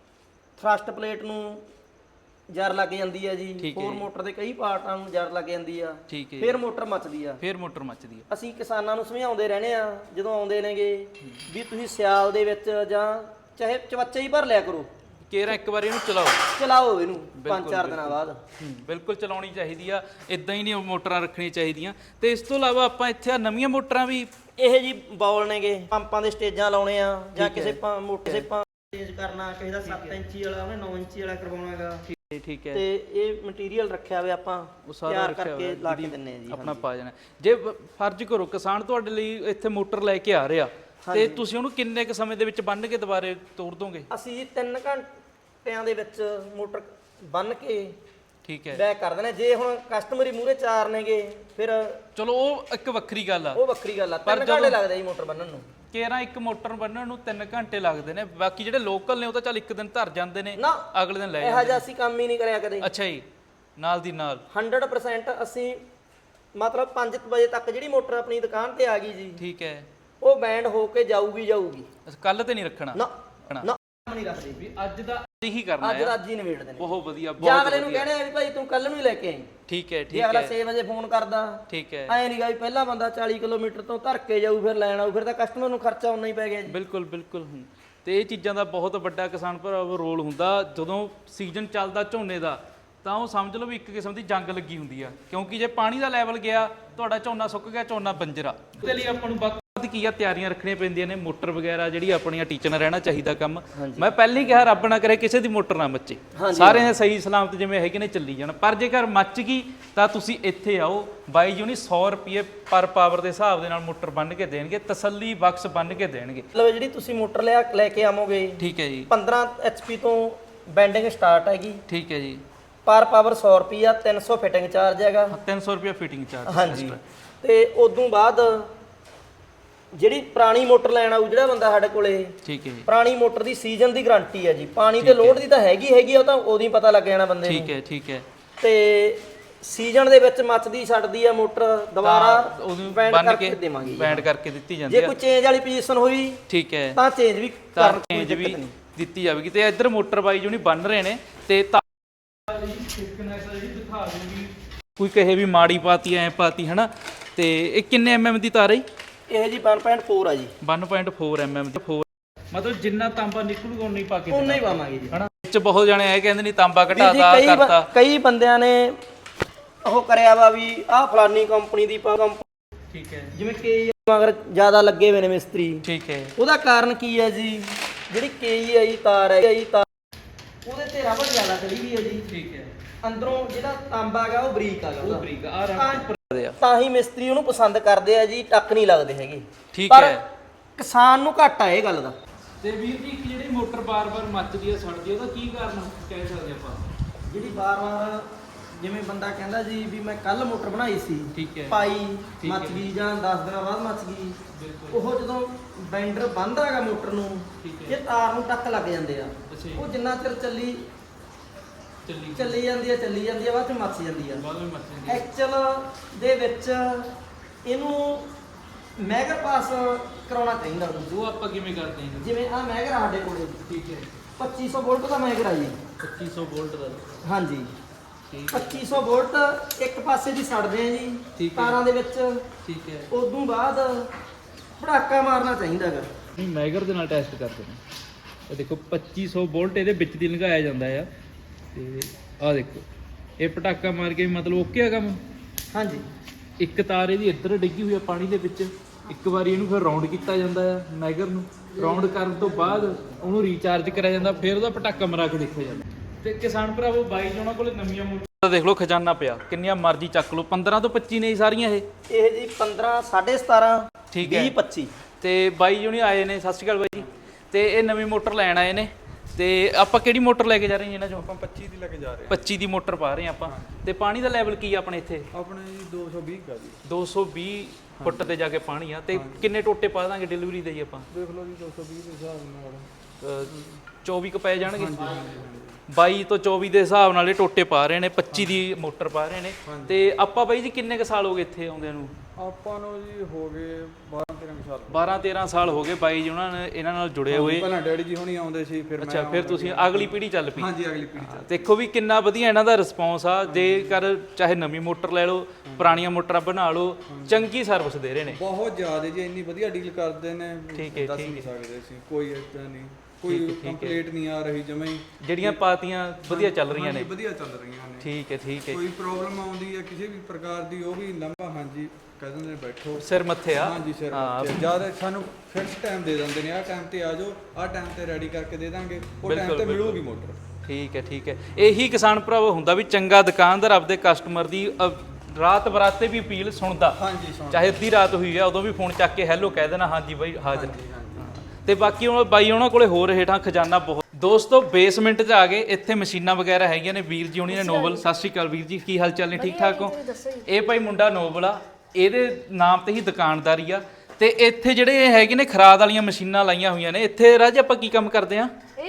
S2: ਥਰਸਟ ਪਲੇਟ ਨੂੰ ਜਰ ਲੱਗ ਜਾਂਦੀ ਆ ਜੀ, ਹੋਰ ਮੋਟਰ ਦੇ ਕਈ ਪਾਰਟਾਂ ਨੂੰ ਜਰ ਲੱਗ ਜਾਂਦੀ ਆ, ਫਿਰ ਮੋਟਰ ਮੱਚਦੀ ਆ। ਅਸੀਂ ਕਿਸਾਨਾਂ ਨੂੰ ਸਮਝਾਉਂਦੇ ਰਹਿੰਦੇ ਆ ਜਦੋਂ ਆਉਂਦੇ ਨੇਗੇ ਵੀ ਤੁਸੀਂ ਸਿਆਲ ਦੇ ਵਿੱਚ ਜਾਂ ਚਾਹੇ ਚਵੱਚਾ ਹੀ ਭਰ ਲਿਆ ਕਰੋ,
S1: ਕੇਰਾ ਇੱਕ ਵਾਰੀ ਇਹਨੂੰ
S2: ਚਲਾਓ ਇਹਨੂੰ 5-4 ਦਿਨਾਂ ਬਾਅਦ।
S1: ਬਿਲਕੁਲ ਚਲਾਉਣੀ ਚਾਹੀਦੀ ਆ, ਇਦਾਂ ਹੀ ਨਹੀਂ ਮੋਟਰਾਂ ਰੱਖਣੀਆਂ ਚਾਹੀਦੀਆਂ। ਤੇ ਇਸ ਤੋਂ ਇਲਾਵਾ ਆਪਾਂ ਇੱਥੇ ਨਵੀਆਂ ਮੋਟਰਾਂ ਵੀ
S2: ਇਹ ਜੀ ਬੌਲ ਨੇਗੇ, ਪੰਪਾਂ ਦੇ ਸਟੇਜਾਂ ਲਾਉਣੇ ਆ, ਜਾਂ ਕਿਸੇ ਮੋਟਰ ਚੇਂਜ ਕਰਨਾ, ਕਿਸੇ ਦਾ 7 ਇੰਚੀ ਵਾਲਾ ਉਹਨੇ 9 ਇੰਚੀ ਵਾਲਾ ਕਰਵਾਉਣਾਗਾ। ਠੀਕ ਹੈ। ਤੇ ਇਹ ਮਟੀਰੀਅਲ ਰੱਖਿਆ ਹੋਇਆ ਆਪਾਂ ਤਿਆਰ ਕਰਕੇ ਲਾ ਕੇ ਦਿੰਨੇ ਆ ਜੀ,
S1: ਆਪਣਾ ਪਾ ਜਾਣਾ। ਜੇ ਫਰਜ਼ ਕਰੋ ਕਿਸਾਨ ਤੁਹਾਡੇ ਲਈ ਇੱਥੇ ਮੋਟਰ ਲੈ ਕੇ ਆ ਰਿਹਾ ਤੇ ਤੁਸੀਂ ਉਹਨੂੰ ਕਿੰਨੇ ਕ ਸਮੇਂ ਦੇ ਵਿੱਚ ਬੰਨ ਕੇ ਦੁਬਾਰੇ ਤੋੜ ਦੋਗੇ?
S2: ਅਸੀਂ ਜੀ 3 ਘੰਟਿਆਂ ਦੇ ਵਿੱਚ ਮੋਟਰ ਬੰਨ ਕੇ,
S1: ਠੀਕ ਹੈ,
S2: ਬੈਕ ਕਰ ਦੇਣਾ। ਜੇ ਹੁਣ ਕਸਟਮਰ ਹੀ ਮੂਹਰੇ ਚਾਰ ਨੇਗੇ ਫਿਰ
S1: ਚਲੋ ਉਹ ਇੱਕ ਵੱਖਰੀ ਗੱਲ ਆ,
S2: 3 ਘੰਟੇ ਲੱਗਦੇ ਜੀ ਮੋਟਰ ਬੰਨਣ ਨੂੰ।
S1: ਕੇਰਾ ਇੱਕ ਮੋਟਰ ਬੰਨਣ ਨੂੰ 3 ਘੰਟੇ ਲੱਗਦੇ ਨੇ, ਬਾਕੀ ਜਿਹੜੇ ਲੋਕਲ ਨੇ ਉਹ ਤਾਂ ਚੱਲ ਇੱਕ ਦਿਨ ਧਰ ਜਾਂਦੇ ਨੇ, ਅਗਲੇ ਦਿਨ ਲੈ ਜਾਂਦੇ।
S2: ਇਹੋ ਜਿਹਾ ਅਸੀਂ ਕੰਮ ਹੀ ਨਹੀਂ ਕਰਿਆ ਕਦੇ।
S1: ਅੱਛਾ ਜੀ। ਨਾਲ ਦੀ ਨਾਲ
S2: 100% ਅਸੀਂ ਮਤਲਬ 5 ਵਜੇ ਤੱਕ ਜਿਹੜੀ ਮੋਟਰ ਆਪਣੀ ਦੁਕਾਨ ਤੇ ਆ ਗਈ ਜੀ,
S1: ਠੀਕ ਹੈ,
S2: ਉਹ ਬੈਂਡ ਹੋ ਕੇ ਜਾਊਗੀ।
S1: ਕੱਲ ਤੇ ਨਹੀਂ ਰੱਖਣਾ
S2: ਨਾ ਨਾ ਨਹੀਂ ਰੱਖਦੇ
S1: ਵੀ ਅੱਜ ਦਾ ਇਹੀ ਕਰਨਾ
S2: ਅੱਜ ਦਾ
S1: ਹੈ।
S2: ਅੱਜ ਹੀ ਨਿਬੇੜਦੇ ਨੇ।
S1: ਬਹੁਤ ਵਧੀਆ,
S2: ਜਾਂ
S1: ਬਹੁਤ
S2: ਅਗਲੇ ਨੂੰ
S1: ਵਧੀਆ।
S2: ਕਹਿਣਾ ਵੀ ਭਾਈ ਤੂੰ ਕੱਲ ਨੂੰ ਹੀ ਲੈ ਕੇ ਆਈ।
S1: ਠੀਕ ਹੈ,
S2: ਜੇ
S1: ਠੀਕ
S2: ਅਗਲਾ
S1: ਹੈ,
S2: 6 ਵਜੇ ਫੋਨ ਕਰਦਾ,
S1: ਠੀਕ ਹੈ,
S2: ਐ ਨਹੀਂ ਗਾ ਵੀ ਪਹਿਲਾ ਬੰਦਾ 40 ਕਿਲੋਮੀਟਰ ਤੋਂ ਧਰ ਕੇ ਜਾਊ ਫਿਰ ਲੈਣ ਆਊ, ਫਿਰ ਤਾਂ ਕਸਟਮਰ ਨੂੰ ਖਰਚਾ ਉਨਾ ਹੀ ਪੈ ਗਿਆ ਜੀ।
S1: ਬਿਲਕੁਲ ਬਿਲਕੁਲ। ਤੇ ਇਹ ਚੀਜ਼ਾਂ ਦਾ ਬਹੁਤ ਵੱਡਾ ਕਿਸਾਨ ਭਰਾਵੋ ਰੋਲ ਹੁੰਦਾ। ਜਦੋਂ ਸੀਜ਼ਨ ਚੱਲਦਾ ਝੋਨੇ ਦਾ ਤਾਂ ਉਹ ਸਮਝ ਲਓ ਵੀ ਇੱਕ ਕਿਸਮ ਦੀ ਜੰਗ ਲੱਗੀ ਹੁੰਦੀ ਆ, ਕਿਉਂਕਿ ਜੇ ਪਾਣੀ ਦਾ ਲੈਵਲ ਗਿਆ ਤੁਹਾਡਾ ਝੋਨਾ ਸੁੱਕ ਗਿਆ, ਝੋਨਾ ਬੰਜਰਾ। ਉਹਦੇ ਲਈ ਆਪਾਂ ਨੂੰ ਵੱਧ ਕੀ ਆ ਤਿਆਰੀਆਂ ਰੱਖਣੀਆਂ ਪੈਂਦੀਆਂ ਨੇ। ਮੋਟਰ ਵਗੈਰਾ ਜਿਹੜੀ ਆਪਣੀਆਂ ਟੀਚਰ ਨਾਲ ਰਹਿਣਾ ਚਾਹੀਦਾ ਕੰਮ। ਮੈਂ ਪਹਿਲਾਂ ਹੀ ਕਿਹਾ ਰੱਬ ਨਾ ਕਰੇ ਕਿਸੇ ਦੀ ਮੋਟਰ ਨਾ ਮੱਚੇ, ਸਾਰਿਆਂ ਦੇ ਸਹੀ ਸਲਾਮਤ ਜਿਵੇਂ ਹੈਗੇ ਨੇ ਚੱਲੀ ਜਾਣ। ਪਰ ਜੇਕਰ ਮੱਚ ਗਈ ਤਾਂ ਤੁਸੀਂ ਇੱਥੇ ਆਓ, ਬਾਈ ਜੀ 100 ਰੁਪਏ ਪਰ ਪਾਵਰ ਦੇ ਹਿਸਾਬ ਦੇ ਨਾਲ ਮੋਟਰ ਬੰਨ ਕੇ ਦੇਣਗੇ, ਤਸੱਲੀ ਬਖਸ਼ ਬੰਨ ਕੇ ਦੇਣਗੇ।
S2: ਮਤਲਬ ਜਿਹੜੀ ਤੁਸੀਂ ਮੋਟਰ ਲੈ ਕੇ ਆਵੋਗੇ,
S1: ਠੀਕ ਹੈ ਜੀ,
S2: 15 HP ਤੋਂ ਬੈਂਡਿੰਗ ਸਟਾਰਟ ਹੈਗੀ।
S1: ਠੀਕ ਹੈ ਜੀ,
S2: ਪਰ ਪਾਵਰ 100 ਰੁਪਿਆ, 300 ਫਿਟਿੰਗ ਚਾਰਜ ਹੈਗਾ।
S1: 300 ਰੁਪਏ ਫਿਟਿੰਗ ਚਾਰਜ।
S2: ਹਾਂਜੀ, ਤੇ ਉਦੋਂ ਬਾਅਦ ਜਿਹੜੀ ਪੁਰਾਣੀ ਮੋਟਰ ਲੈਣ ਆਊ ਜਿਹੜਾ ਬੰਦਾ ਸਾਡੇ ਕੋਲੇ,
S1: ਠੀਕ ਹੈ ਜੀ,
S2: ਪੁਰਾਣੀ ਮੋਟਰ ਦੀ ਸੀਜ਼ਨ ਦੀ ਗਾਰੰਟੀ ਹੈ ਜੀ। ਪਾਣੀ ਤੇ ਲੋਡ ਦੀ ਤਾਂ ਹੈਗੀ ਉਹ ਤਾਂ ਉਦੋਂ ਹੀ ਪਤਾ ਲੱਗ ਜਾਣਾ ਬੰਦੇ ਨੂੰ।
S1: ਠੀਕ ਹੈ, ਠੀਕ ਹੈ।
S2: ਤੇ ਸੀਜ਼ਨ ਦੇ ਵਿੱਚ ਮੱਚਦੀ ਛੱਡਦੀ ਆ ਮੋਟਰ, ਦੁਬਾਰਾ
S1: ਉਹਨੂੰ
S2: ਬੈਂਡ
S1: ਬੰਨ
S2: ਕਰਕੇ
S1: ਕੇ
S2: ਦੇਵਾਂਗੇ।
S1: ਬੈਂਡ ਕਰਕੇ ਦਿੱਤੀ ਜਾਂਦੀ
S2: ਜੇ
S1: ਹੈ।
S2: ਕੋਈ ਚੇਂਜ ਵਾਲੀ ਪੋਜੀਸ਼ਨ ਹੋਈ
S1: ਠੀਕ ਹੈ,
S2: ਤਾਂ ਚੇਂਜ ਵੀ
S1: ਤਾਂ
S2: ਕਰਨ
S1: ਚੇਂਜ ਵੀ ਦਿੱਤੀ ਜਾਵੇਗੀ। ਤੇ ਇੱਧਰ ਮੋਟਰ ਬਾਈ ਜੋ ਨਹੀਂ ਬੰਨ ਰਹੇ ਨੇ ਤੇ ਦਿਖਾ ਦੂੰਗੀ, ਕੋਈ ਕਹੇ ਵੀ ਮਾੜੀ ਪਾਤੀ ਐ ਪਾਤੀ ਹਨਾ। ਤੇ ਇਹ ਕਿੰਨੇ mm ਦੀ ਤਾਰ ਹੈ ਜੀ?
S2: ਇਹ ਜੀ 1.4 ਆ ਜੀ।
S1: 1.4 mm ਦੀ। 4 ਮਤਲਬ ਜਿੰਨਾ ਤਾਂਬਾ ਨਿਕਲੂਗਾ ਉਨਾ ਹੀ ਪਾ ਕੇ
S2: ਉਨਾ ਹੀ ਪਾਵਾਂਗੇ ਜੀ
S1: ਹਨਾ। ਵਿੱਚ ਬਹੁਤ ਜਾਣੇ ਇਹ ਕਹਿੰਦੇ ਨਹੀਂ ਤਾਂਬਾ
S2: ਵੀਰ ਜੀ,
S1: ਘਟਾਤਾ ਕਰਤਾ।
S2: ਕਈ ਬੰਦਿਆਂ ਨੇ ਉਹ ਕਰਿਆ ਵਾ ਵੀ ਆਹ ਫਲਾਨੀ ਕੰਪਨੀ ਦੀ
S1: ਠੀਕ ਹੈ,
S2: ਜਿਵੇਂ ਕਿ ਮਗਰ ਜ਼ਿਆਦਾ ਲੱਗੇ ਹੋਏ ਨੇ ਮਿਸਤਰੀ।
S1: ਠੀਕ ਹੈ,
S2: ਉਹਦਾ ਕਾਰਨ ਕੀ ਹੈ ਜੀ? ਜਿਹੜੀ KEI ਤਾਰ ਹੈ ਉਹਦੇ ਤੇ ਰਬੜ ਜ਼ਿਆਦਾ ਚੜੀ ਵੀ ਹੈ ਜੀ।
S1: ਠੀਕ ਹੈ,
S2: ਅੰਦਰੋਂ ਜਿਹੜਾ ਤਾਂਬਾ ਹੈਗਾ ਉਹ ਬਰੀਕ ਹੈਗਾ,
S1: ਉਹ ਬਰੀਕ ਆ ਰੰਗ ਆ।
S2: ਤਾਂ ਹੀ ਮਿਸਤਰੀ ਉਹਨੂੰ ਪਸੰਦ ਕਰਦੇ ਆ ਜੀ, ਟੱਕ ਨਹੀਂ ਲੱਗਦੇ ਹੈਗੇ।
S1: ਠੀਕ
S2: ਪਰ
S1: ਹੈ।
S2: ਕਿਸਾਨ ਨੂੰ ਘਾਟਾ ਇਹ ਗੱਲ ਦਾ।
S1: ਤੇ ਵੀਰ ਜੀ ਜਿਹੜੀ ਮੋਟਰ ਬਾਰ-ਬਾਰ ਮੱਚਦੀ ਹੈ ਸੜਦੀ, ਉਹਦਾ ਕੀ ਕਾਰਨ ਕਹਿ ਸਕਦੇ ਆਪਾਂ?
S2: ਜਿਹੜੀ ਵਾਰ-ਵਾਰ ਜਿਵੇਂ ਬੰਦਾ ਕਹਿੰਦਾ ਜੀ ਵੀ ਮੈਂ ਕੱਲ ਮੋਟਰ ਬਣਾਈ ਸੀ,
S1: ਠੀਕ ਹੈ,
S2: ਪਾਈ
S1: ਠੀਕ
S2: ਮੱਚ
S1: ਹੈ।
S2: ਗਈ ਜਾਂ 10 ਦਿਨਾਂ ਬਾਅਦ ਮੱਚ ਗਈ,
S1: ਬਿਲਕੁਲ।
S2: ਉਹ ਜਦੋਂ ਬੈਂਡਰ ਬੰਨ੍ਹਦਾ ਹੈਗਾ ਮੋਟਰ ਨੂੰ,
S1: ਠੀਕ ਹੈ।
S2: ਇਹ ਤਾਰ ਨੂੰ ਟੱਕ ਲੱਗ ਜਾਂਦੇ ਆ।
S1: ਅੱਛਾ ਜੀ।
S2: ਉਹ ਜਿੰਨਾ ਚਿਰ ਚੱਲੀ ਜਾਂਦੀ ਹੈ ਬਾਅਦ ਚ ਮੱਚ ਜਾਂਦੀ ਆ।
S1: ਬਾਅਦ ਵਿੱਚ ਮੱਚਦੀ
S2: ਐਕਚੁਅਲ ਦੇ ਵਿੱਚ ਇਹਨੂੰ ਮੈਗਰ ਪਾਸ ਕਰਾਉਣਾ ਚਾਹੀਦਾ ਉਹਨੂੰ।
S1: ਉਹ ਆਪਾਂ ਕਿਵੇਂ ਕਰਦੇ ਹਾਂ?
S2: ਜਿਵੇਂ ਆ ਮੈਗਰ ਸਾਡੇ ਕੋਲੇ
S1: ਠੀਕ ਹੈ,
S2: 2500 ਵੋਲਟ ਦਾ ਮੈਗਰ ਆ ਜੀ।
S1: 2500 ਵੋਲਟ ਦਾ।
S2: ਹਾਂਜੀ,
S1: ਠੀਕ
S2: 2500 ਵੋਲਟ ਇੱਕ ਪਾਸੇ ਦੀ ਛੱਡਦੇ ਆ ਜੀ
S1: ਠੀਕ ਹੈ।
S2: ਤਾਰਾਂ ਦੇ ਵਿੱਚ।
S1: ਠੀਕ ਹੈ।
S2: ਉਦੋਂ ਬਾਅਦ ਪੜਾਕਾ ਮਾਰਨਾ ਚਾਹੀਦਾ ਹੈਗਾ।
S1: ਨਹੀਂ ਮੈਗਰ ਦੇ ਨਾਲ ਟੈਸਟ ਕਰਦੇ ਨੇ। ਇਹ ਦੇਖੋ 2500 ਵੋਲਟ ਇਹਦੇ ਵਿੱਚ ਦੀ ਲਗਾਇਆ ਜਾਂਦਾ ਆ। ਤੇ ਆਹ ਦੇਖੋ ਇਹ ਪਟਾਕਾ ਮਾਰ ਕੇ ਮਤਲਬ ਓਕੇ ਆ ਕੰਮ।
S2: ਹਾਂਜੀ,
S1: ਇੱਕ ਤਾਰ ਇਹਦੀ ਇੱਧਰ ਡਿੱਗੀ ਹੋਈ ਆ ਪਾਣੀ ਦੇ ਵਿੱਚ। ਇੱਕ ਵਾਰੀ ਇਹਨੂੰ ਫਿਰ ਰਾਉਂਡ ਕੀਤਾ ਜਾਂਦਾ ਆ ਮੈਗਰ ਨੂੰ। ਰਾਉਂਡ ਕਰਨ ਤੋਂ ਬਾਅਦ ਉਹਨੂੰ ਰੀਚਾਰਜ ਕਰਿਆ ਜਾਂਦਾ, ਫਿਰ ਉਹਦਾ ਪਟਾਕਾ ਮਰਾ ਕੇ ਦੇਖਿਆ ਜਾਂਦਾ। ਤੇ ਕਿਸਾਨ ਭਰਾਵੋ ਬਾਈ ਜੀ ਉਹਨਾਂ ਕੋਲੇ ਨਵੀਆਂ ਮੋਟਰਾਂ ਦੇਖ ਲਓ, ਖਜ਼ਾਨਾ ਪਿਆ, ਕਿੰਨੀਆਂ ਮਰਜ਼ੀ ਚੱਕ ਲਓ। 15 ਤੋਂ 25 ਨੇ ਸਾਰੀਆਂ ਇਹ
S2: ਇਹ ਜੀ 15 17.5
S1: ਠੀਕ ਹੈ।
S2: 20 25
S1: ਤੇ ਬਾਈ ਜੀ ਹੁਣੀ ਆਏ ਨੇ। ਸਤਿ ਸ਼੍ਰੀ ਅਕਾਲ ਬਾਈ ਜੀ। ਤੇ ਇਹ ਨਵੀਂ ਮੋਟਰ ਲੈਣ ਆਏ ਨੇ। ਤੇ ਆਪਾਂ ਕਿਹੜੀ ਮੋਟਰ ਲੈ ਕੇ ਜਾ ਰਹੇ ਹਾਂ ਇਹਨਾਂ ਚੋਂ?
S3: ਆਪਾਂ 25 ਦੀ ਲੈ ਕੇ ਜਾ ਰਹੇ
S1: 25 ਦੀ ਮੋਟਰ ਪਾ ਰਹੇ ਹਾਂ ਆਪਾਂ। ਤੇ ਪਾਣੀ ਦਾ ਲੈਵਲ ਕੀ ਆ ਆਪਣੇ ਇੱਥੇ?
S3: ਹਾਂ। ਆਪਣੇ ਜੀ 220 ਕਾ ਜੀ।
S1: 220 ਫੁੱਟ ਤੇ ਜਾ ਕੇ ਪਾਣੀ ਆ। ਤੇ ਕਿੰਨੇ ਟੋਟੇ ਪਾ ਦਾਂਗੇ ਡਿਲੀਵਰੀ ਦੇ ਜੀ ਆਪਾਂ?
S3: ਦੇਖ ਲਓ ਜੀ 220 ਦੇ ਹਿਸਾਬ ਨਾਲ
S1: 24 ਕ ਪੈ ਜਾਣਗੇ। 22 ਤੋਂ 24 ਦੇ ਹਿਸਾਬ ਨਾਲ ਇਹ ਟੋਟੇ ਪਾ ਰਹੇ ਨੇ। 25 ਦੀ ਮੋਟਰ ਪਾ ਰਹੇ ਨੇ। ਤੇ ਆਪਾਂ ਬਾਈ ਜੀ ਕਿੰਨੇ ਕ ਸਾਲ ਹੋ ਗਏ ਇੱਥੇ ਆਉਂਦਿਆਂ ਨੂੰ?
S3: ਆਪਾਂ ਨੂੰ ਜੀ ਹੋ ਗਏ 12-13 ਸਾਲ।
S1: 12-13 ਸਾਲ ਹੋ ਗਏ ਬਾਈ ਜੀ ਉਹਨਾਂ ਨੇ ਇਹਨਾਂ ਨਾਲ ਜੁੜੇ ਹੋਏ।
S3: ਪਹਿਲਾਂ ਡੈਡੀ ਜੀ ਹੁਣੀ ਆਉਂਦੇ ਸੀ, ਫਿਰ
S1: ਅੱਛਾ, ਫਿਰ ਤੁਸੀਂ ਅਗਲੀ ਪੀੜ੍ਹੀ ਚੱਲ ਪਈ।
S3: ਹਾਂਜੀ, ਅਗਲੀ ਪੀੜ੍ਹੀ ਚ।
S1: ਦੇਖੋ ਵੀ ਕਿੰਨਾ ਵਧੀਆ ਇਹਨਾਂ ਦਾ ਰਿਸਪੌਂਸ ਆ। ਜੇਕਰ ਚਾਹੇ ਨਵੀਂ ਮੋਟਰ ਲੈ ਲਓ, ਪੁਰਾਣੀਆਂ ਮੋਟਰਾਂ ਬਣਾ ਲਓ, ਚੰਗੀ ਸਰਵਿਸ ਦੇ ਰਹੇ ਨੇ।
S3: ਬਹੁਤ ਜ਼ਿਆਦਾ ਜੀ, ਇੰਨੀ ਵਧੀਆ ਡੀਲ ਕਰਦੇ ਨੇ।
S1: ਠੀਕ ਹੈ,
S3: ਦੱਸ
S1: ਠੀਕ
S3: ਨਹੀਂ ਸਕਦੇ ਸੀ। ਕੋਈ ਏਦਾਂ ਨਹੀਂ, ਕੋਈ ਕੰਪਲੀਟ ਨਹੀਂ ਆ ਰਹੀ ਜਮਾਂ ਹੀ।
S1: ਜਿਹੜੀਆਂ ਪਾਤੀਆਂ ਵਧੀਆ ਚੱਲ ਰਹੀਆਂ ਨੇ।
S3: ਵਧੀਆ ਚੱਲ ਰਹੀਆਂ ਨੇ।
S1: ਠੀਕ ਹੈ, ਠੀਕ ਹੈ।
S3: ਕੋਈ ਪ੍ਰੋਬਲਮ ਆਉਂਦੀ ਹੈ ਕਿਸੇ ਵੀ ਪ੍ਰਕਾਰ ਦੀ, ਉਹ ਵੀ ਲੰਬਾ ਹਾਂਜੀ ਕਹਿ ਦਿੰਦੇ ਨੇ ਬੈਠੋ
S1: ਸਿਰ ਮੱਥੇ ਆ।
S3: ਹਾਂਜੀ ਸਿਰ ਜਿਆਦਾ ਸਾਨੂੰ ਫਿਕਸ ਟਾਈਮ ਦੇ ਦਿੰਦੇ ਨੇ। ਆਹ ਟਾਈਮ ਤੇ ਆ ਜਾਓ, ਆਹ ਟਾਈਮ ਤੇ ਰੈਡੀ ਕਰਕੇ ਦੇ ਦਾਂਗੇ, ਉਹ ਟਾਈਮ ਤੇ ਮਿਲੂਗੀ ਮੋਟਰ।
S1: ਠੀਕ ਹੈ, ਠੀਕ ਹੈ। ਇਹੀ ਕਿਸਾਨ ਭਰਾਵੋ ਹੁੰਦਾ ਵੀ ਚੰਗਾ ਦੁਕਾਨਦਾਰ ਆਪਦੇ ਕਸਟਮਰ ਦੀ ਰਾਤ ਬਰਾਤੇ ਵੀ ਅਪੀਲ ਸੁਣਦਾ।
S3: ਹਾਂਜੀ,
S1: ਚਾਹੇ ਅੱਧੀ ਰਾਤ ਹੋਈ ਆ ਉਦੋਂ ਵੀ ਫੋਨ ਚੱਕ ਕੇ ਹੈਲੋ ਕਹਿ ਦੇਣਾ, ਹਾਂਜੀ ਬਾਈ ਹਾਜ਼ਰ। ਤੇ ਬਾਕੀ ਹੁਣ ਬਾਈ ਉਹਨਾਂ ਕੋਲੇ ਹੋਰ ਹੇਠਾਂ ਖਜ਼ਾਨਾ ਬਹੁਤ। ਦੋਸਤੋ ਬੇਸਮੈਂਟ 'ਚ ਆ ਗਏ। ਇੱਥੇ ਮਸ਼ੀਨਾਂ ਵਗੈਰਾ ਹੈਗੀਆਂ ਨੇ। ਵੀਰ ਜੀ ਹੁਣੀ ਨੇ ਨੋਬਲ। ਸਤਿ ਸ਼੍ਰੀ ਅਕਾਲ ਵੀਰ ਜੀ, ਕੀ ਹਾਲ ਚਾਲ ਨੇ? ਠੀਕ ਠਾਕ ਹੋ? ਇਹ ਭਾਈ ਮੁੰਡਾ ਨੋਬਲ ਆ, ਇਹਦੇ ਨਾਮ ਤੇ ਹੀ ਦੁਕਾਨਦਾਰੀ ਆ। ਤੇ ਇੱਥੇ ਜਿਹੜੇ ਇਹ ਹੈਗੇ ਨੇ ਖਰਾਦ ਵਾਲੀਆਂ ਮਸ਼ੀਨਾਂ ਲਾਈਆਂ ਹੋਈਆਂ ਨੇ। ਇੱਥੇ ਰਾਜ ਆਪਾਂ ਕੀ ਕੰਮ ਕਰਦੇ ਆ?
S4: ਇਹ ਜਿਵੇਂ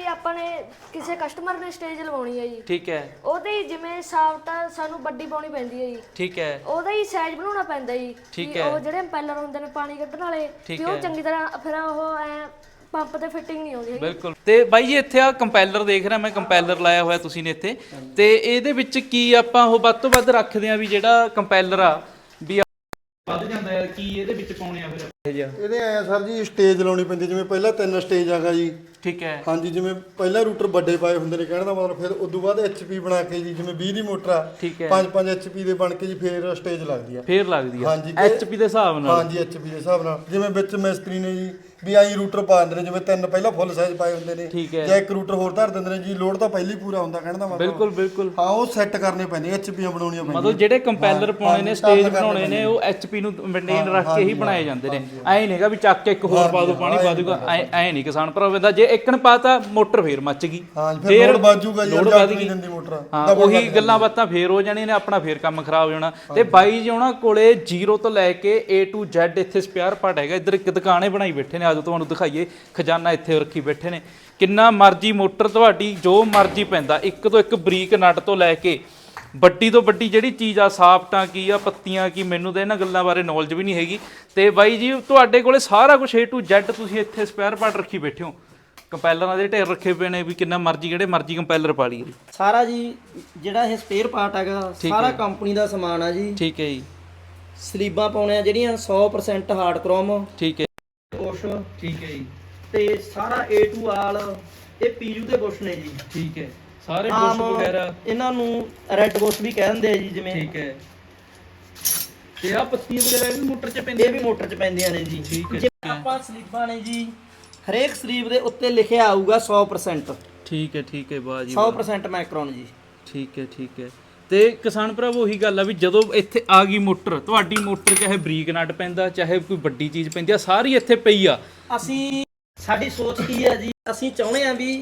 S4: ਆਪਾਂ ਨੇ ਕਿਸੇ ਕਸਟਮਰ ਨੇ ਸਟੇਜ ਲਵਾਉਣੀ ਹੈ ਜੀ।
S1: ਠੀਕ ਹੈ
S4: ਉਹਦੇ ਹੀ ਜਿਵੇਂ ਸਾਫਟ ਸਾਨੂੰ ਵੱਡੀ ਪਾਉਣੀ ਪੈਂਦੀ ਹੈ ਜੀ।
S1: ਠੀਕ ਹੈ
S4: ਉਹਦਾ ਹੀ ਸਾਈਜ਼ ਬਣਾਉਣਾ ਪੈਂਦਾ ਜੀ।
S1: ਠੀਕ
S4: ਵੀ
S1: ਹੈ।
S4: ਉਹ ਜਿਹੜੇ ਇੰਪੈਲਰ ਹੁੰਦੇ ਨੇ ਪਾਣੀ ਕੱਢਣ ਵਾਲੇ
S1: ਠੀਕ
S4: ਵੀ ਉਹ
S1: ਹੈ।
S4: ਚੰਗੀ ਤਰ੍ਹਾਂ ਫਿਰ ਉਹ ਐ ਪੰਪ ਤੇ ਫਿਟਿੰਗ ਨਹੀਂ ਆਉਂਦੀ ਹੈਗੀ।
S1: ਬਿਲਕੁਲ। ਤੇ ਬਾਈ ਜੀ ਇੱਥੇ ਆ ਕੰਪੈਲਰ ਦੇਖ ਰਿਹਾ ਮੈਂ, ਕੰਪੈਲਰ ਲਾਇਆ ਹੋਇਆ ਤੁਸੀਂ ਨੇ ਇੱਥੇ, ਤੇ ਇਹਦੇ ਵਿੱਚ ਕੀ ਆਪਾਂ ਉਹ ਵੱਧ ਤੋਂ ਵੱਧ ਰੱਖਦੇ ਆ ਵੀ ਜਿਹੜਾ ਕੰਪੈਲਰ ਆ ਵੀ ਵੱਧ ਜਾਂਦਾ ਹੈ, ਕੀ ਇਹਦੇ ਵਿੱਚ ਪਾਉਣੇ ਆ ਫਿਰ
S5: ਇਹਦੇ ਆਇਆ ਸਰ ਜੀ ਸਟੇਜ ਲਾਉਣੀ ਪੈਂਦੀ, ਜਿਵੇਂ ਪਹਿਲਾਂ 3 ਸਟੇਜ ਆਗਾ ਜੀ।
S1: ਠੀਕ ਹੈ
S5: ਹਾਂਜੀ, ਜਿਵੇਂ ਪਹਿਲਾਂ ਰੂਟਰ ਵੱਡੇ ਪਾਏ ਹੁੰਦੇ ਨੇ, ਕਹਿਣ ਦਾ ਮਤਲਬ ਫਿਰ ਉਦੋਂ ਬਾਅਦ HP ਬਣਾ ਕੇ ਜੀ, ਜਿਵੇਂ 20 ਦੀ ਮੋਟਰ ਆ,
S1: ਠੀਕ ਹੈ
S5: 5 HP ਦੇ ਬਣ ਕੇ ਜੀ ਫਿਰ ਸਟੇਜ ਲੱਗਦੀ ਆ।
S1: ਫੇਰ ਲੱਗਦੀ ਆ
S5: ਹਾਂਜੀ,
S1: HP ਦੇ ਹਿਸਾਬ ਨਾਲ।
S5: ਹਾਂਜੀ HP ਦੇ ਹਿਸਾਬ ਨਾਲ, ਜਿਵੇਂ ਵਿੱਚ ਮਿਸਤਰੀ ਨੇ ਜੀ ਵੀ ਆਈ ਰੂਟਰ ਪਾ ਦਿੰਦੇ ਨੇ, ਜਿਵੇਂ 3 ਪਹਿਲਾਂ ਫੁੱਲ ਸਾਈਜ਼ ਪਾਏ ਹੁੰਦੇ ਨੇ
S1: ਠੀਕ ਹੈ।
S5: ਜਾਂ 1 ਰੂਟਰ ਹੋਰ ਧਰ ਦਿੰਦੇ ਨੇ ਜੀ, ਲੋਡ ਤਾਂ ਪਹਿਲੀ ਪੂਰਾ ਹੁੰਦਾ, ਕਹਿਣ ਦਾ ਮਤਲਬ।
S1: ਬਿਲਕੁਲ ਬਿਲਕੁਲ।
S5: ਹਾਂ, ਉਹ ਸੈੱਟ ਕਰਨੇ ਪੈਂਦੇ, HPਆਂ ਬਣਾਉਣੀਆਂ ਪੈਂਦੀਆਂ।
S1: ਮਤਲਬ ਜਿਹੜੇ ਕੰਪੈਲਰ ਪਾਉਣੇ ਨੇ, ਸਟੇਜ ਬਣਾਉਣੇ ਨੇ, ਉਹ HP ਨੂੰ ਮੇਨਟੇਨ ਰੱਖ ਕੇ ਹੀ ਬਣਾਏ ਜਾਂਦੇ ਨੇ। ਐ ਨਹੀਂਗਾ ਵੀ ਚੱਕ ਕੇ ਇੱਕ ਹੋਰ ਪਾ ਦੋ, ਪਾਣੀ ਪਾ ਦੂਗਾ, ਐ ਨਹੀਂ ਕਿਸਾਨ ਭਰਾ ਦਾ। ਜੇ ਇੱਕਣ ਪਾਤਾ ਮੋਟਰ ਫੇਰ ਮੱਚ ਗਈ,
S5: ਫਿਰ ਲੋਡ ਬਾਜੂਗਾ ਜੀ,
S1: ਲੋਡ ਵੱਧ ਗਈ। ਹਾਂ, ਉਹੀ ਗੱਲਾਂ ਬਾਤਾਂ ਫੇਰ ਹੋ ਜਾਣੀਆਂ ਨੇ, ਆਪਣਾ ਫੇਰ ਕੰਮ ਖਰਾਬ ਹੋ ਜਾਣਾ। ਤੇ ਬਾਈ ਜੀ ਉਹਨਾਂ ਕੋਲੇ 0 ਤੋਂ ਲੈ ਕੇ A to Z ਇੱਥੇ ਸਪੇਅਰ ਪਾਰਟ ਹੈਗਾ। ਇੱਧਰ ਇੱਕ ਦੁਕਾਨੇ ਬਣਾਈ ਬੈਠੇ ਨੇ, ਆਜੋ ਤੁਹਾਨੂੰ ਦਿਖਾਈਏ, ਖਜ਼ਾਨਾ ਇੱਥੇ ਰੱਖੀ ਬੈਠੇ ਨੇ। ਕਿੰਨਾ ਮਰਜ਼ੀ ਮੋਟਰ ਤੁਹਾਡੀ ਜੋ ਮਰਜ਼ੀ ਪੈਂਦਾ, ਇੱਕ ਤੋਂ ਇੱਕ ਬਰੀਕ ਨਟ ਤੋਂ ਲੈ ਕੇ ਵੱਡੀ ਤੋਂ ਵੱਡੀ ਜਿਹੜੀ ਚੀਜ਼ ਆ, ਸਾਫਟਾਂ ਕੀ ਆ, ਪੱਤੀਆਂ ਕੀ, ਮੈਨੂੰ ਤਾਂ ਇਹਨਾਂ ਗੱਲਾਂ ਬਾਰੇ ਨੌਲੇਜ ਵੀ ਨਹੀਂ ਹੈਗੀ। ਤੇ ਬਾਈ ਜੀ ਤੁਹਾਡੇ ਕੋਲੇ ਸਾਰਾ ਕੁਝ A to Z ਤੁਸੀਂ ਇੱਥੇ ਸਪੇਅਰ ਪਾਰਟ ਰੱਖੀ ਬੈਠੇ ਹੋ। ਕੰਪੈਲਰਾਂ ਦੇ ਢੇਰ ਰੱਖੇ ਪਏ ਨੇ ਵੀ ਕਿੰਨਾ ਮਰਜ਼ੀ ਜਿਹੜੇ ਮਰਜ਼ੀ ਕੰਪੈਲਰ ਪਾ ਲਈਏ।
S2: ਸਾਰਾ ਜੀ ਜਿਹੜਾ ਇਹ ਸਪੇਅਰ ਪਾਰਟ ਹੈਗਾ ਸਾਰਾ ਕੰਪਨੀ ਦਾ ਸਮਾਨ ਆ ਜੀ।
S1: ਠੀਕ ਹੈ ਜੀ।
S2: ਸਲੀਬਾਂ ਪਾਉਣੇ ਆ ਜਿਹੜੀਆਂ 100% ਹਾਰਡ ਕ੍ਰੋਮ।
S1: ਠੀਕ ਹੈ
S2: ਬੁਸ਼।
S1: ਠੀਕ ਹੈ ਜੀ।
S2: ਤੇ ਸਾਰਾ A to ਆਲ ਇਹ PU ਦੇ ਬੁਸ਼ ਨੇ ਜੀ।
S1: ਠੀਕ ਹੈ। ਸਾਰੇ ਬੁਸ਼ ਵਗੈਰਾ
S2: ਇਹਨਾਂ ਨੂੰ ਰੈੱਡ ਬੁਸ਼ ਵੀ ਕਹਿ ਦਿੰਦੇ ਆ ਜੀ, ਜਿਵੇਂ।
S1: ਠੀਕ ਹੈ। ਤੇ ਆ ਪੱਤੀਆਂ ਵਗੈਰਾ ਵੀ ਮੋਟਰ 'ਚ ਪੈਂਦੀਆਂ?
S2: ਇਹ ਵੀ ਮੋਟਰ 'ਚ ਪੈਂਦੀਆਂ ਨੇ ਜੀ।
S1: ਠੀਕ ਹੈ।
S2: ਜਿਵੇਂ ਆਪਾਂ ਸਲੀਬਾਂ ਨੇ ਜੀ, ਹਰੇਕ ਸਲੀਬ ਦੇ ਉੱਤੇ ਲਿਖਿਆ ਆਊਗਾ 100%।
S1: ਠੀਕ ਹੈ ਠੀਕ ਹੈ, ਬਾਜੀ
S2: 100% ਮਾਈਕਰੋਨ ਜੀ।
S1: ਠੀਕ ਹੈ ਠੀਕ ਹੈ। ਤੇ ਕਿਸਾਨ ਭਰਾਵੋ ਉਹੀ ਗੱਲ ਆ ਵੀ ਜਦੋਂ ਇੱਥੇ ਆ ਗਈ ਮੋਟਰ, ਤੁਹਾਡੀ ਮੋਟਰ ਚਾਹੇ ਬਰੀਕ ਨਟ ਪੈਂਦਾ, ਚਾਹੇ ਕੋਈ ਵੱਡੀ ਚੀਜ਼ ਪੈਂਦੀ ਆ, ਸਾਰੀ ਇੱਥੇ ਪਈ ਆ।
S2: ਸਾਡੀ ਸੋਚ ਕੀ ਹੈ ਜੀ, ਅਸੀਂ ਚਾਹੁੰਦੇ ਆ ਵੀ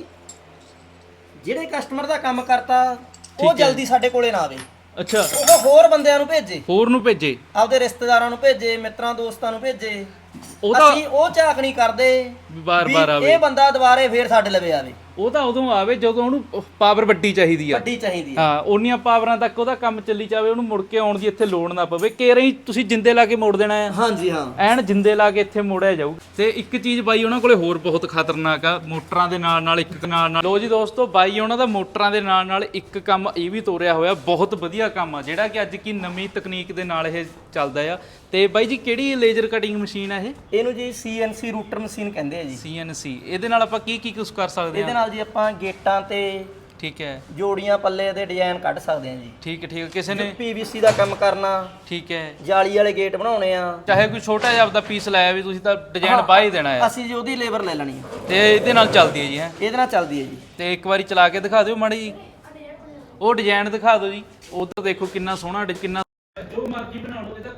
S2: ਜਿਹੜੇ ਕਸਟਮਰ ਦਾ ਕੰਮ ਕਰਤਾ ਉਹ ਜਲਦੀ ਸਾਡੇ ਕੋਲੇ ਨਾ ਆਵੇ।
S1: ਅੱਛਾ।
S2: ਉਹ ਹੋਰ ਬੰਦਿਆਂ ਨੂੰ ਭੇਜੇ,
S1: ਹੋਰ ਨੂੰ ਭੇਜੇ,
S2: ਆਪਦੇ ਰਿਸ਼ਤੇਦਾਰਾਂ ਨੂੰ ਭੇਜੇ, ਮਿੱਤਰਾਂ ਦੋਸਤਾਂ ਨੂੰ ਭੇਜੇ।
S1: ਉਹਦਾ
S2: ਅਸੀਂ ਉਹ ਝਾਕ ਨਹੀਂ ਕਰਦੇ
S1: ਬਾਰ-ਬਾਰ ਆਵੇ,
S2: ਇਹ ਬੰਦਾ ਦੁਬਾਰੇ ਫੇਰ ਸਾਡੇ ਲਵੇ ਆਵੇ।
S1: ਉਹ ਤਾਂ ਉਦੋਂ ਆਵੇ ਜਦੋਂ ਉਹਨੂੰ ਪਾਵਰ ਵੱਡੀ ਚਾਹੀਦੀ ਆ।
S2: ਵੱਡੀ ਚਾਹੀਦੀ ਆ।
S1: ਹਾਂ, ਉਨੀਆਂ ਪਾਵਰਾਂ ਤੱਕ ਉਹਦਾ ਕੰਮ ਚੱਲੀ ਜਾਵੇ, ਉਹਨੂੰ ਮੁੜ ਕੇ ਆਉਣ ਦੀ ਇੱਥੇ ਲੋੜ ਨਾ ਪਵੇ। ਕੇਰਾਂ ਹੀ ਤੁਸੀਂ ਜਿੰਦੇ ਲਾ ਕੇ ਮੋੜ ਦੇਣਾ ਆ।
S2: ਹਾਂਜੀ ਹਾਂ,
S1: ਐਨ ਜਿੰਦੇ ਲਾ ਕੇ ਇੱਥੇ ਮੋੜਿਆ ਜਾਊ। ਤੇ ਇੱਕ ਚੀਜ਼ ਬਾਈ ਉਹਨਾਂ ਕੋਲੇ ਹੋਰ ਬਹੁਤ ਖਤਰਨਾਕ ਆ, ਮੋਟਰਾਂ ਦੇ ਨਾਲ ਨਾਲ ਇੱਕ ਨਾਲ ਲੋ ਜੀ ਦੋਸਤੋ, ਬਾਈ ਉਹਨਾਂ ਦਾ ਮੋਟਰਾਂ ਦੇ ਨਾਲ ਨਾਲ ਇੱਕ ਕੰਮ ਇਹ ਵੀ ਤੋਰਿਆ ਹੋਇਆ, ਬਹੁਤ ਵਧੀਆ ਕੰਮ ਆ, ਜਿਹੜਾ ਕਿ ਅੱਜ ਕੀ ਨਵੀਂ ਤਕਨੀਕ ਦੇ ਨਾਲ ਇਹ ਚੱਲਦਾ ਆ। ਤੇ ਬਾਈ ਜੀ ਕਿਹੜੀ ਲੇਜ਼ਰ ਕਟਿੰਗ ਮਸ਼ੀਨ ਆ ਇਹ?
S2: ਇਹਨੂੰ ਜੀ CNC ਰੂਟਰ ਮਸ਼ੀਨ ਕਹਿੰਦੇ ਆ ਜੀ।
S1: CNC। ਇਹਦੇ ਨਾਲ ਆਪਾਂ ਕੀ ਕੀ ਕੁਝ ਕਰ ਸਕਦੇ ਆ?
S2: ਇਹਦੇ ਨਾਲ ਜੀ ਆਪਾਂ ਗੇਟਾਂ ਤੇ,
S1: ਠੀਕ ਹੈ,
S2: ਜੋੜੀਆਂ ਪੱਲੇ ਦੇ ਡਿਜ਼ਾਈਨ ਕੱਢ ਸਕਦੇ ਆ ਜੀ।
S1: ਠੀਕ ਹੈ ਠੀਕ ਹੈ। ਕਿਸੇ ਨੇ
S2: PVC ਦਾ ਕੰਮ ਕਰਨਾ,
S1: ਠੀਕ ਹੈ,
S2: ਜਾਲੀ ਵਾਲੇ ਗੇਟ ਬਣਾਉਣੇ ਆ,
S1: ਚਾਹੇ ਕੋਈ ਛੋਟਾ ਜਿਹਾ ਆਪਦਾ ਪੀਸ ਲਾਇਆ ਵੀ ਤੁਸੀਂ ਤਾਂ ਡਿਜ਼ਾਈਨ ਬਾਹ ਹੀ ਦੇਣਾ ਆ।
S2: ਅਸੀਂ ਜੀ ਉਹਦੀ ਲੇਬਰ ਲੈ ਲੈਣੀ ਆ।
S1: ਤੇ ਇਹਦੇ ਨਾਲ ਚੱਲਦੀ ਹੈ ਜੀ? ਹੈ,
S2: ਇਹਦੇ ਨਾਲ ਚੱਲਦੀ ਹੈ ਜੀ।
S1: ਤੇ ਇੱਕ ਵਾਰੀ ਚਲਾ ਕੇ ਦਿਖਾ ਦਿਓ ਮਾੜੀ ਜੀ, ਉਹ ਡਿਜ਼ਾਈਨ ਦਿਖਾ ਦਿਓ ਜੀ। ਉਧਰ ਦੇਖੋ ਕਿੰਨਾ ਸੋਹਣਾ, ਕਿੰਨਾ ਜੋ ਮਰਜ਼ੀ ਬਣਾ ਲਓ ਇਹਦਾ।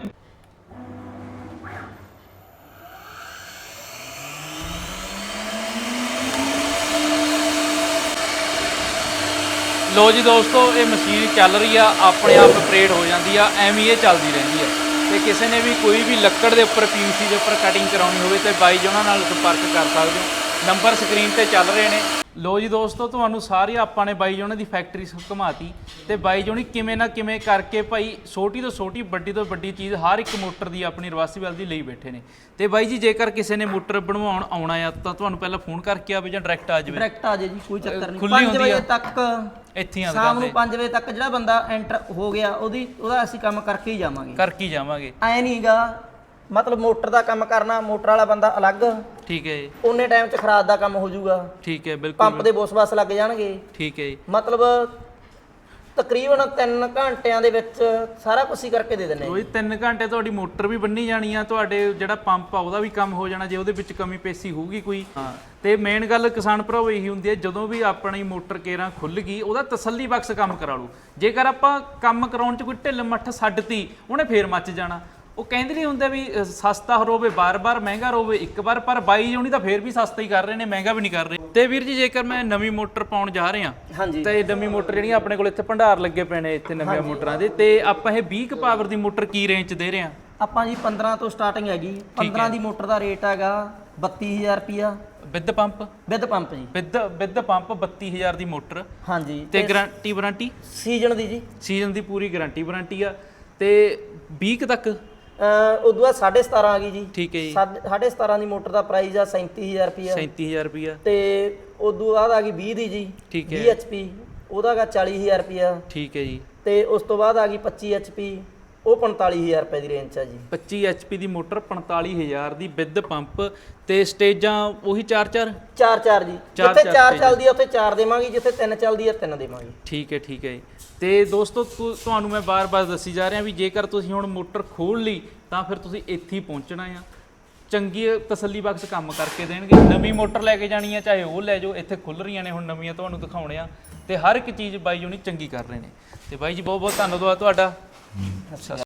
S1: ਲੋ ਜੀ ਦੋਸਤੋ, ਇਹ ਮਸ਼ੀਨ ਚੱਲ ਰਹੀ ਆ, ਆਪਣੇ ਆਪ ਆਪਰੇਟ ਹੋ ਜਾਂਦੀ ਆ, ਐਵੇਂ ਇਹ ਚੱਲਦੀ ਰਹਿੰਦੀ ਆ। ਤੇ ਕਿਸੇ ਨੇ ਵੀ ਕੋਈ ਵੀ ਲੱਕੜ ਦੇ ਉੱਪਰ, PVC ਦੇ ਉੱਪਰ ਕਟਿੰਗ ਕਰਾਉਣੀ ਹੋਵੇ ਤੇ ਬਾਈ ਜੀ ਉਹਨਾਂ ਨਾਲ ਸੰਪਰਕ ਕਰ ਸਕਦੇ ਹੋ। ਨੰਬਰ ਸਕਰੀਨ ਤੇ ਚੱਲ ਰਹੇ ਨੇ। ਲੋ ਜੀ ਦੋਸਤੋ, ਤੁਹਾਨੂੰ ਸਾਰੀ ਆਪਾਂ ਨੇ ਬਾਈ ਜੀ ਉਹਨਾਂ ਦੀ ਫੈਕਟਰੀ ਘੁਮਾਤੀ ਤੇ ਬਾਈ ਜੀ ਉਹਨੇ ਕਿਵੇਂ ਨਾ ਕਿਵੇਂ ਕਰਕੇ ਭਾਈ ਛੋਟੀ ਤੋਂ ਛੋਟੀ, ਵੱਡੀ ਤੋਂ ਵੱਡੀ ਚੀਜ਼ ਹਰ ਇੱਕ ਮੋਟਰ ਦੀ ਆਪਣੀ ਰਿਵਰਸੀਬਲ ਦੀ ਲਈ ਬੈਠੇ ਨੇ। ਤੇ ਬਾਈ ਜੀ ਜੇਕਰ ਕਿਸੇ ਨੇ ਮੋਟਰ ਬਣਵਾਉਣ ਆਉਣਾ ਆ ਤਾਂ ਤੁਹਾਨੂੰ ਪਹਿਲਾਂ ਫੋਨ ਕਰਕੇ ਆਵੇ ਜਾਂ ਡਾਇਰੈਕਟ ਆ ਜਾਵੇ?
S2: ਡਾਇਰੈਕਟ ਆ ਜਾਏ ਜੀ, ਕੋਈ ਚੱਕਰ ਨਹੀਂ।
S1: ਖੁੱਲੀ
S2: 5
S1: ਹੁੰਦੀ
S2: ਵਜੇ
S1: ਆ
S2: ਤੱਕ
S1: ਇੱਥੇ ਆ
S2: ਸ਼ਾਮ ਨੂੰ 5 ਵਜੇ ਤੱਕ ਜਿਹੜਾ ਬੰਦਾ ਐਂਟਰ ਹੋ ਗਿਆ ਉਹਦਾ ਅਸੀਂ ਕੰਮ ਕਰਕੇ ਹੀ ਜਾਵਾਂਗੇ।
S1: ਕਰਕੇ ਹੀ ਜਾਵਾਂਗੇ।
S2: ਐ ਨਹੀਂਗਾ ਮਤਲਬ ਮੋਟਰ ਦਾ ਕੰਮ ਕਰਨਾ, ਮੋਟਰ ਵਾਲਾ ਬੰਦਾ ਅਲੱਗ।
S1: ਠੀਕ ਹੈ ਜੀ।
S2: ਉਹਨੇ ਟਾਈਮ 'ਚ ਖਰਾਦ ਦਾ ਕੰਮ ਹੋ ਜਾਊਗਾ।
S1: ਠੀਕ ਹੈ, ਬਿਲਕੁਲ।
S2: ਪੰਪ ਦੇ ਬੋਸ-ਬਸ ਲੱਗ ਜਾਣਗੇ।
S1: ਠੀਕ ਹੈ ਜੀ।
S2: ਮਤਲਬ ਤਕਰੀਬਨ 3 ਘੰਟਿਆਂ ਦੇ ਵਿੱਚ ਸਾਰਾ ਕੁਝ ਹੀ ਕਰਕੇ ਦੇ ਦਿੰਦੇ।
S1: ਉਹ 3 ਘੰਟੇ ਤੁਹਾਡੀ ਮੋਟਰ ਵੀ ਬੰਨੀ ਜਾਣੀ ਆ, ਤੁਹਾਡੇ ਜਿਹੜਾ ਪੰਪ ਆ ਉਹਦਾ ਵੀ ਕੰਮ ਹੋ ਜਾਣਾ ਜੇ ਉਹਦੇ ਵਿੱਚ ਕਮੀ ਪੇਸੀ ਹੋਊਗੀ ਕੋਈ। ਹਾਂ, ਤੇ ਮੇਨ ਗੱਲ ਕਿਸਾਨ ਭਰਾਵੋ ਇਹੀ ਹੁੰਦੀ ਹੈ, ਜਦੋਂ ਵੀ ਆਪਣੀ ਮੋਟਰ ਕੇਰਾਂ ਖੁੱਲ ਗਈ ਉਹਦਾ ਤਸੱਲੀ ਬਖਸ਼ ਕੰਮ ਕਰਾ ਲਓ। ਜੇਕਰ ਆਪਾਂ ਕੰਮ ਕਰਾਉਣ 'ਚ ਕੋਈ ਢਿੱਲ ਮੱਠ ਛੱਡਤੀ, ਉਹਨੇ ਫੇਰ ਮੱਚ ਜਾਣਾ। ਉਹ ਕਹਿੰਦੇ ਨਹੀਂ ਹੁੰਦੇ ਵੀ ਸਸਤਾ ਹੋਵੇ ਬਾਰ-ਬਾਰ, ਮਹਿੰਗਾ ਹੋਵੇ ਇੱਕ ਵਾਰ, ਪਰ ਬਾਈ ਜੋਣੀ ਤਾਂ ਫੇਰ ਵੀ ਸਸਤਾ ਹੀ ਕਰ ਰਹੇ ਨੇ, ਮਹਿੰਗਾ ਵੀ ਨਹੀਂ ਕਰ ਰਹੇ। ਤੇ ਵੀਰ ਜੀ ਜੇਕਰ ਮੈਂ ਨਵੀਂ ਮੋਟਰ ਪਾਉਣ ਜਾ ਰਹੇ ਹਾਂ,
S2: ਹਾਂਜੀ,
S1: ਤੇ ਨਵੀਂ ਮੋਟਰ ਜਿਹੜੀਆਂ ਆਪਣੇ ਕੋਲ ਇੱਥੇ ਭੰਡਾਰ ਲੱਗੇ ਪਏ ਨੇ ਇੱਥੇ ਨਵੀਆਂ ਮੋਟਰਾਂ ਦੇ, ਤੇ ਆਪਾਂ ਇਹ 20 ਪਾਵਰ ਦੀ ਮੋਟਰ ਕੀ ਰੇਂਜ 'ਚ ਦੇ ਰਹੇ ਹਾਂ?
S2: ਆਪਾਂ ਜੀ 15 ਤੋਂ ਸਟਾਰਟਿੰਗ ਹੈਗੀ। 15 ਦੀ ਮੋਟਰ ਦਾ ਰੇਟ ਹੈਗਾ 32000 ਰੁਪਿਆ।
S1: ਵਿਦ ਪੰਪ
S2: ਵਿਦ ਪੰਪ ਜੀ।
S1: ਵਿਦ ਪੰਪ 32000 ਦੀ ਮੋਟਰ
S2: ਹਾਂਜੀ
S1: ਤੇ ਗਾਰੰਟੀ ਵਾਰੰਟੀ
S2: ਸੀਜ਼ਨ ਦੀ ਜੀ।
S1: ਸੀਜ਼ਨ ਦੀ ਪੂਰੀ ਗਾਰੰਟੀ ਵਾਰੰਟੀ ਆ ਤੇ 20 ਕੁ ਤੱਕ
S2: ਉਦੋਂ ਬਾਅਦ 17.5 ਆ ਗਈ ਜੀ।
S1: ਠੀਕ ਹੈ ਜੀ।
S2: 17.5 ਦੀ ਮੋਟਰ ਦਾ ਪ੍ਰਾਈਸ ਆ 37000 ਰੁਪਿਆ।
S1: 37000 ਰੁਪਿਆ
S2: ਤੇ ਉਦੋਂ ਬਾਅਦ ਆ ਗਈ 20 ਦੀ ਜੀ।
S1: ਠੀਕ ਹੈ।
S2: 20 HP ਉਹਦਾ ਗਾ 40000 ਰੁਪਿਆ।
S1: ਠੀਕ ਹੈ ਜੀ।
S2: ਤੇ ਉਸ ਤੋਂ ਬਾਅਦ ਆ ਗਈ 25 HP ਉਹ 45000 ਰੁਪਏ ਦੀ ਰੇਂਜ 'ਚ ਆ ਜੀ।
S1: 25 HP ਦੀ ਮੋਟਰ 45000 ਦੀ ਵਿਦ ਪੰਪ ਤੇ ਸਟੇਜਾਂ ਉਹੀ 4-4
S2: 4 ਜੀ। ਜਿੱਥੇ 4 ਚੱਲਦੀ ਆ ਉੱਥੇ 4 ਦੇਵਾਂਗੇ, ਜਿੱਥੇ 3 ਚੱਲਦੀ ਆ 3 ਦੇਵਾਂਗੇ।
S1: ਠੀਕ ਹੈ ਜੀ। ਤੇ ਦੋਸਤੋ ਤੁਹਾਨੂੰ ਮੈਂ ਬਾਰ-ਬਾਰ ਦੱਸੀ ਜਾ ਰਿਹਾ ਵੀ ਜੇਕਰ ਤੁਸੀਂ ਹੁਣ ਮੋਟਰ ਖੋਲ ਲਈ ਤਾਂ ਫਿਰ ਤੁਸੀਂ ਇੱਥੇ ਹੀ ਪਹੁੰਚਣਾ ਆ। ਚੰਗੀ ਤਸੱਲੀ ਬਖਸ਼ ਕੰਮ ਕਰਕੇ ਦੇਣਗੇ। ਨਵੀਂ ਮੋਟਰ ਲੈ ਕੇ ਜਾਣੀ ਆ ਚਾਹੇ ਉਹ ਲੈ ਜਾਓ, ਇੱਥੇ ਖੁੱਲ ਰਹੀਆਂ ਨੇ ਹੁਣ ਨਵੀਆਂ ਤੁਹਾਨੂੰ ਦਿਖਾਉਣੇ ਆ ਤੇ ਹਰ ਇੱਕ ਚੀਜ਼ ਬਾਈ ਜੀ ਹੁਣੀ ਚੰਗੀ ਕਰ ਰਹੇ ਨੇ। ਤੇ ਬਾਈ ਜੀ ਬਹੁਤ ਬਹੁਤ ਧੰਨਵਾਦ ਤੁਹਾਡਾ।